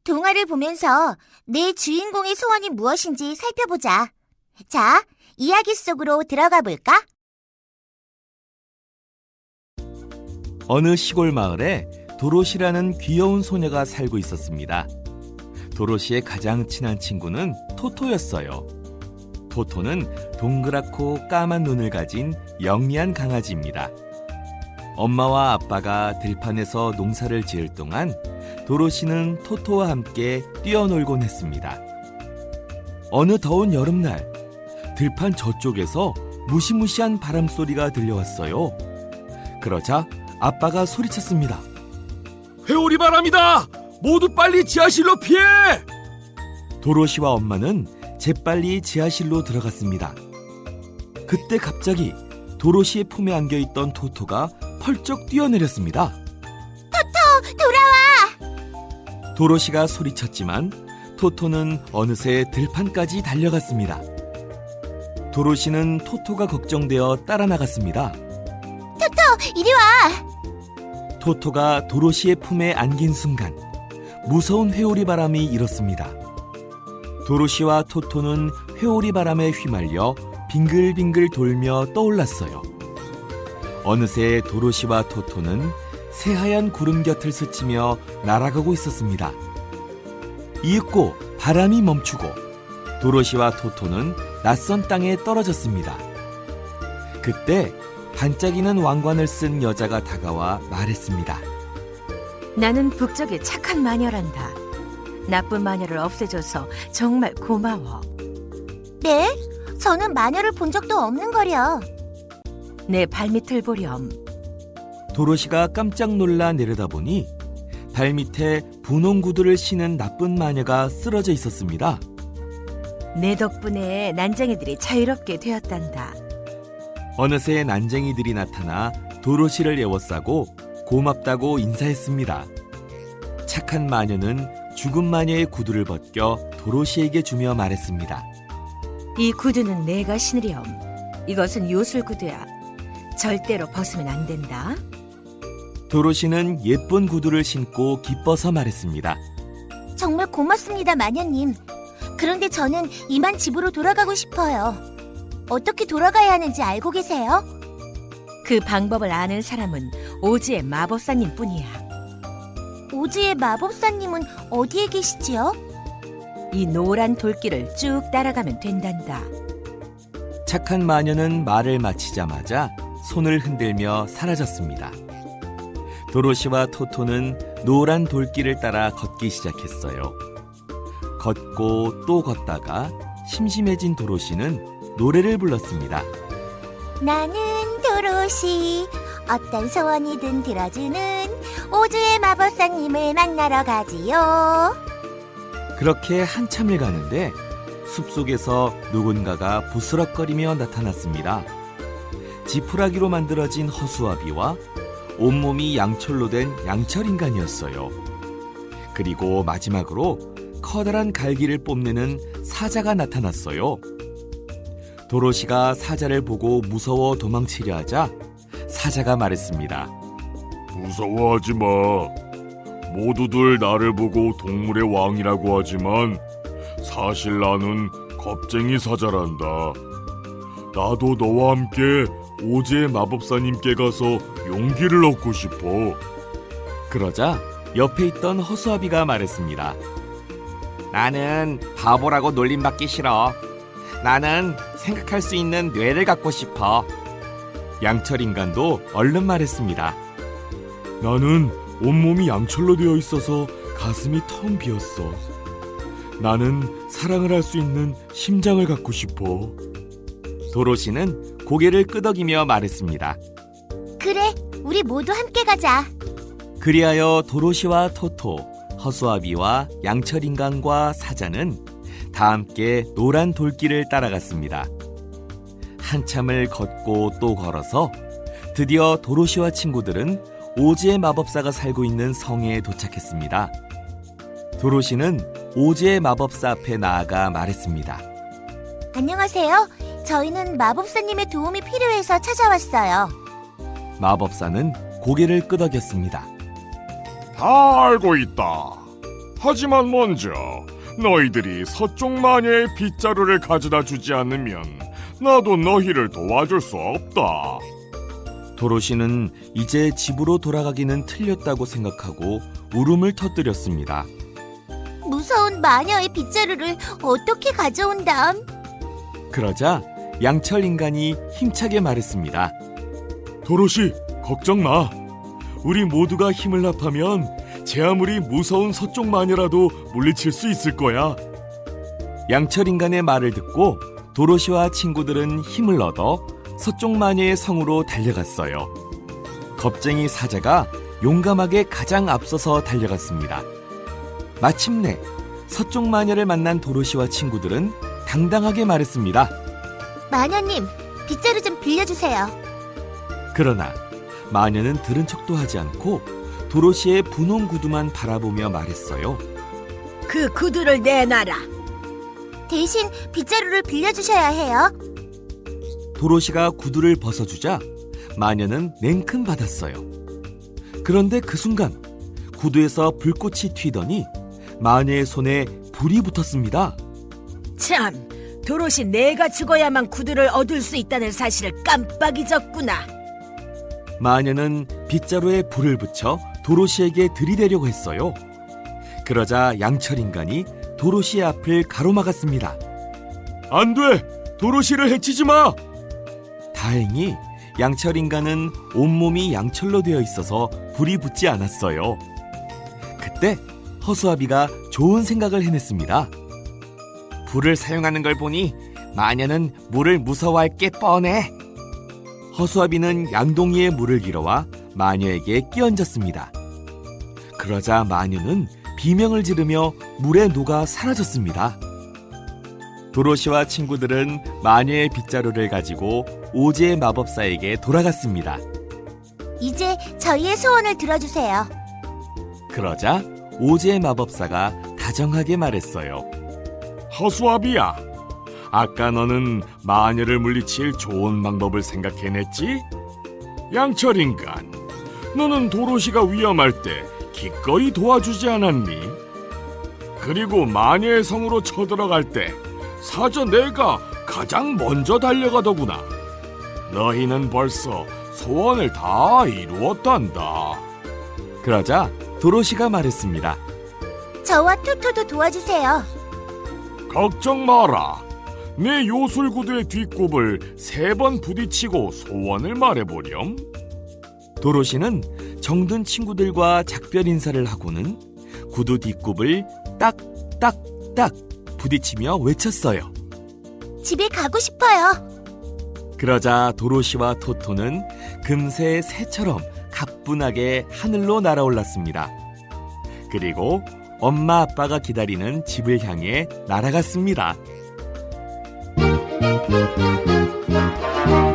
동화를 보면서 내 주인공의 소원이 무엇인지 살펴보자. 자, 이야기 속으로 들어가 볼까? 어느 시골 마을에 도로시라는 귀여운 소녀가 살고 있었습니다. 도로시의 가장 친한 친구는 토토였어요. 토토는 동그랗고 까만 눈을 가진 영리한 강아지입니다. 엄마와 아빠가 들판에서 농사를 지을 동안 도로시는 토토와 함께 뛰어놀곤 했습니다. 어느 더운 여름날, 들판 저쪽에서 무시무시한 바람소리가 들려왔어요. 그러자 아빠가 소리쳤습니다. 회오리 바람이다! 모두 빨리 지하실로 피해! 도로시와 엄마는 재빨리 지하실로 들어갔습니다. 그때 갑자기 도로시의 품에 안겨있던 토토가 펄쩍 뛰어내렸습니다. 돌아와! 도로시가 소리쳤지만 토토는 어느새 들판까지 달려갔습니다. 도로시는 토토가 걱정되어 따라 나갔습니다. 이리 와! 토토가 도로시의 품에 안긴 순간 무서운 회오리 바람이 일었습니다. 도로시와 토토는 회오리 바람에 휘말려 빙글빙글 돌며 떠올랐어요. 어느새 도로시와 토토는 새하얀 구름 곁을 스치며 날아가고 있었습니다. 이윽고 바람이 멈추고 도로시와 토토는 낯선 땅에 떨어졌습니다. 그때 반짝이는 왕관을 쓴 여자가 다가와 말했습니다. 나는 북쪽의 착한 마녀란다. 나쁜 마녀를 없애줘서 정말 고마워. 네? 저는 마녀를 본 적도 없는 거려. 내 발밑을 보렴. 도로시가 깜짝 놀라 내려다보니 발밑에 분홍 구두를 신은 나쁜 마녀가 쓰러져 있었습니다. 내 덕분에 난쟁이들이 자유롭게 되었단다. 어느새 난쟁이들이 나타나 도로시를 에워싸고 고맙다고 인사했습니다. 착한 마녀는 죽은 마녀의 구두를 벗겨 도로시에게 주며 말했습니다. 이 구두는 내가 신으렴. 이것은 요술 구두야. 절대로 벗으면 안 된다. 도로시는 예쁜 구두를 신고 기뻐서 말했습니다. 정말 고맙습니다, 마녀님. 그런데 저는 이만 집으로 돌아가고 싶어요. 어떻게 돌아가야 하는지 알고 계세요? 그 방법을 아는 사람은 오즈의 마법사님 뿐이야. 오즈의 마법사님은 어디에 계시지요? 이 노란 돌길을 쭉 따라가면 된단다. 착한 마녀는 말을 마치자마자 손을 흔들며 사라졌습니다. 도로시와 토토는 노란 돌길을 따라 걷기 시작했어요. 걷고 또 걷다가 심심해진 도로시는 노래를 불렀습니다. 나는 도로시, 어떤 소원이든 들어주는 오즈의 마법사님을 만나러 가지요. 그렇게 한참을 가는데 숲속에서 누군가가 부스럭거리며 나타났습니다. 지푸라기로 만들어진 허수아비와 온몸이 양철로 된 양철인간이었어요. 그리고 마지막으로 커다란 갈기를 뽐내는 사자가 나타났어요. 도로시가 사자를 보고 무서워 도망치려 하자 사자가 말했습니다. 무서워하지 마. 모두들 나를 보고 동물의 왕이라고 하지만 사실 나는 겁쟁이 사자란다. 나도 너와 함께 오즈의 마법사님께 가서 용기를 얻고 싶어. 그러자 옆에 있던 허수아비가 말했습니다. 나는 바보라고 놀림받기 싫어. 나는 생각할 수 있는 뇌를 갖고 싶어. 양철인간도 얼른 말했습니다. 나는 온몸이 양철로 되어 있어서 가슴이 텅 비었어. 나는 사랑을 할 수 있는 심장을 갖고 싶어. 도로시는 고개를 끄덕이며 말했습니다. 그래, 우리 모두 함께 가자. 그리하여 도로시와 토토, 허수아비와 양철인간과 사자는 다 함께 노란 돌길을 따라갔습니다. 한참을 걷고 또 걸어서 드디어 도로시와 친구들은 오즈의 마법사가 살고 있는 성에 도착했습니다. 도로시는 오즈의 마법사 앞에 나아가 말했습니다. 안녕하세요. 저희는 마법사님의 도움이 필요해서 찾아왔어요. 마법사는 고개를 끄덕였습니다. 다 알고 있다. 하지만 먼저 너희들이 서쪽 마녀의 빗자루를 가져다 주지 않으면 나도 너희를 도와줄 수 없다. 도로시는 이제 집으로 돌아가기는 틀렸다고 생각하고 울음을 터뜨렸습니다. 무서운 마녀의 빗자루를 어떻게 가져온담? 그러자 양철 인간이 힘차게 말했습니다. 도로시, 걱정 마. 우리 모두가 힘을 합하면 제 아무리 무서운 서쪽 마녀라도 물리칠 수 있을 거야. 양철 인간의 말을 듣고 도로시와 친구들은 힘을 얻어 서쪽 마녀의 성으로 달려갔어요. 겁쟁이 사자가 용감하게 가장 앞서서 달려갔습니다. 마침내 서쪽 마녀를 만난 도로시와 친구들은 당당하게 말했습니다. 마녀님, 빗자루 좀 빌려주세요. 그러나 마녀는 들은 척도 하지 않고 도로시의 분홍 구두만 바라보며 말했어요. 그 구두를 내놔라. 대신 빗자루를 빌려주셔야 해요. 도로시가 구두를 벗어주자 마녀는 냉큼 받았어요. 그런데 그 순간 구두에서 불꽃이 튀더니 마녀의 손에 불이 붙었습니다. 참, 도로시 내가 죽어야만 구두를 얻을 수 있다는 사실을 깜빡 잊었구나. 마녀는 빗자루에 불을 붙여 도로시에게 들이대려고 했어요. 그러자 양철 인간이 도로시의 앞을 가로막았습니다. 안 돼! 도로시를 해치지 마! 다행히 양철 인간은 온몸이 양철로 되어 있어서 불이 붙지 않았어요. 그때 허수아비가 좋은 생각을 해냈습니다. 불을 사용하는 걸 보니 마녀는 물을 무서워할 게 뻔해. 허수아비는 양동이에 물을 길어와 마녀에게 끼얹었습니다. 그러자 마녀는 비명을 지르며 물에 녹아 사라졌습니다. 도로시와 친구들은 마녀의 빗자루를 가지고 오즈의 마법사에게 돌아갔습니다. 이제 저희의 소원을 들어주세요. 그러자 오즈의 마법사가 다정하게 말했어요. 허수아비야, 아까 너는 마녀를 물리칠 좋은 방법을 생각해냈지? 양철 인간, 너는 도로시가 위험할 때 기꺼이 도와주지 않았니? 그리고 마녀의 성으로 쳐들어갈 때 사자 내가 가장 먼저 달려가더구나. 너희는 벌써 소원을 다 이루었단다. 그러자 도로시가 말했습니다. 저와 토토도 도와주세요. 걱정 마라. 내 요술구두의 뒷굽을 3번 부딪히고 소원을 말해보렴. 도로시는 정든 친구들과 작별 인사를 하고는 구두 뒷굽을 딱딱딱 부딪히며 외쳤어요. 집에 가고 싶어요. 그러자 도로시와 토토는 금세 새처럼 가뿐하게 하늘로 날아올랐습니다. 그리고 엄마 아빠가 기다리는 집을 향해 날아갔습니다.